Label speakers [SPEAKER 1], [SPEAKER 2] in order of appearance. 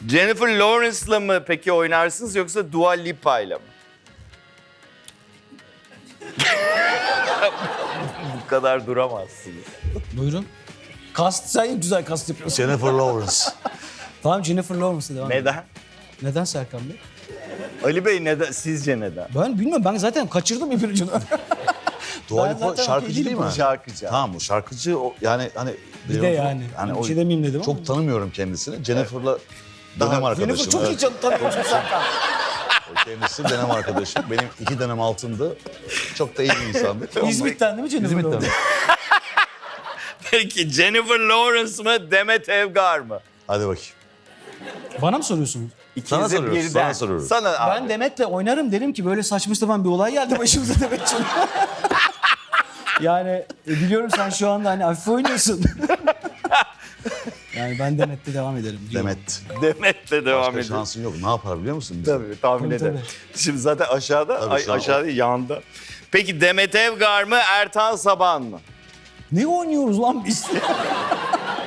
[SPEAKER 1] Jennifer Lawrence'la mı peki oynarsınız yoksa Dua Lipa'yla mı? Bu kadar duramazsınız.
[SPEAKER 2] Buyurun. Kast, sen güzel kast yapıyorsun.
[SPEAKER 3] Jennifer Lawrence.
[SPEAKER 2] Tamam, Jennifer Lawrence'a devam edelim.
[SPEAKER 1] Neden?
[SPEAKER 2] Neden Serkan Bey?
[SPEAKER 1] Ali Bey neden? Sizce neden?
[SPEAKER 2] Ben bilmiyorum, ben zaten kaçırdım ipin ucunu.
[SPEAKER 3] Dua
[SPEAKER 2] Ben
[SPEAKER 3] Lipa
[SPEAKER 2] zaten
[SPEAKER 3] şarkıcı
[SPEAKER 2] okey
[SPEAKER 3] değil mi?
[SPEAKER 1] Şarkıcı.
[SPEAKER 3] Tamam, o şarkıcı yani hani...
[SPEAKER 2] Bir de yani. Bir şey demeyeyim dedim ama.
[SPEAKER 3] Çok tanımıyorum kendisini. Jennifer'la dönem arkadaşım.
[SPEAKER 2] Jennifer çok iyi
[SPEAKER 3] evet.
[SPEAKER 2] tanıyorsun Serkan.
[SPEAKER 3] O kendisi dönem arkadaşım. Benim 2 dönem altındı. Çok da iyi bir insandı.
[SPEAKER 2] İzmit'ten değil mi Jennifer
[SPEAKER 3] İzmit'ten.
[SPEAKER 2] Lawrence?
[SPEAKER 1] Peki Jennifer Lawrence mı Demet Evgar mı?
[SPEAKER 3] Hadi bakayım.
[SPEAKER 2] Bana mı soruyorsunuz?
[SPEAKER 3] Sana
[SPEAKER 1] İkinize
[SPEAKER 3] soruyoruz,
[SPEAKER 1] birden.
[SPEAKER 3] sana soruyoruz.
[SPEAKER 1] Sana abi.
[SPEAKER 2] Ben Demet'le oynarım, derim ki böyle saçma sapan bir olay geldi başımıza Demet'ciğim. Yani biliyorum sen şu anda hani hafif oynuyorsun. Yani ben Demet'le devam ederim diyorum.
[SPEAKER 3] Demet.
[SPEAKER 1] Demet'le devam
[SPEAKER 3] Başka
[SPEAKER 1] edelim.
[SPEAKER 3] şansın yok. Ne yapar biliyor musun? Bize?
[SPEAKER 1] Tabii tahmin
[SPEAKER 2] Tabii,
[SPEAKER 1] ederim.
[SPEAKER 2] tabii.
[SPEAKER 1] Şimdi zaten aşağıda,
[SPEAKER 3] Tabii, şu an
[SPEAKER 1] aşağıda yanda. Peki Demet Evgar mı Ertan Saban mı?
[SPEAKER 2] Ne oynuyoruz lan biz?